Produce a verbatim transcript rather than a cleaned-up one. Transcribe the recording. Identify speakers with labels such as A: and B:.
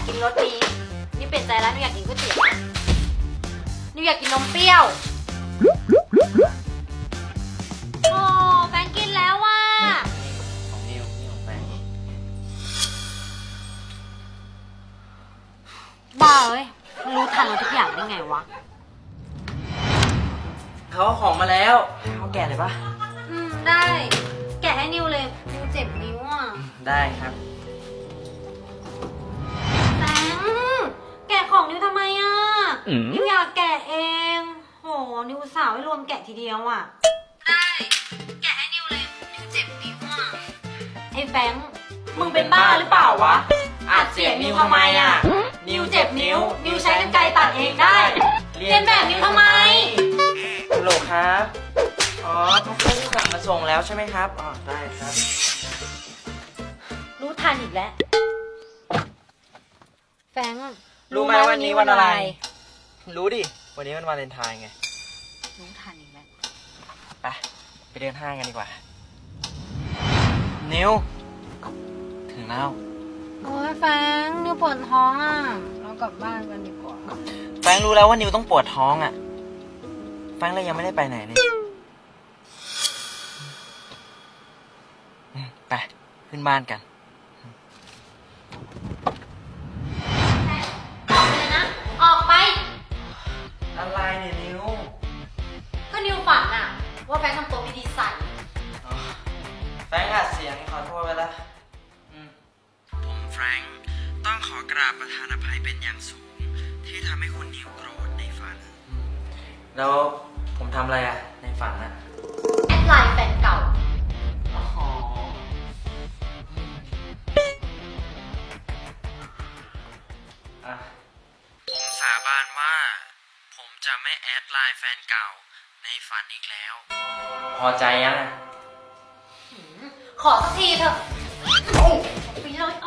A: กินรสนี้นี่เปลี่ยนใจแล้วนิวอยากกินก๋วยเตี๋ยวนิวอยากกินนมเปรี้ยวโอ้แฟนกินแล้วว่ะ
B: ของนิวนี่ของแฟน
A: บ้าเอ้ยมันรู้ทันเราทุกอย่างได้ไงวะ
B: เขาเอาของมาแล้วเขาแกะเลยปะ
A: อืมได้แกะให้นิวเลยนิวเจ็บนิ้วอ่ะ
B: ได้ครับ
A: แฟงแกะของนิวทำไมอ่ะนิวอยากแกะเองโหนิวสาวให้รวมแกะทีเดียวอ่ะได้แกะให้นิวเลยนิวเจ็บนิ้วอ่ะไอ้แฟงมึงเป็นบ้าหรือเปล่าวะ
B: อัดเสียงนิวทำไมอ่ะ
A: นิวเจ็บนิ้วนิวใช้กรรไกรตัดเองได้เรียนแบบนิวทำไม
B: ฮัลโหลครับอ๋อพัสดุสั่งมาส่งแล้วใช่ไหมครับอ๋อได้ครับ
A: รู้ทันอีกแล้วแฟง
B: รู้ไหมวันนี้วันอะไร รู้ดิวันนี้วันวาเลนไทน์ไง
A: รู้ทันอีกแล้ว
B: ไปไปเดินห้างกันดีกว่านิวถึงแล้ว
A: โอ้ยแฟงนิวปวดท้องอ่ะเรากลับบ้านกันดีกว่า
B: แฟงรู้แล้วว่านิวต้องปวดท้องอ่ะแฟงเลยยังไม่ได้ไปไหนเลยไปขึ้นบ้านกัน
A: ออกไปเลยนะออกไป
B: อะไรเนี่ยนิว
A: ก็นิวฝันอะว่าแฟงทำตัวไม่ดีใส่
B: แฟงอัดเสียงขอโทษไปละผมแฟรงค์ต้องขอกราบประธานอภัยเป็นอย่างสูงที่ทำให้คุณนิวโกรธในฝันแล้วผมทำอะไรอะในฝันอะ
A: แอดไลน์แฟนเก่า
B: ผมสาบานว่าผมจะไม่แอดไลน์แฟนเก่าในฝันอีกแล้วพอใจยัง
A: ขอสักทีเถอะเอาไปเลย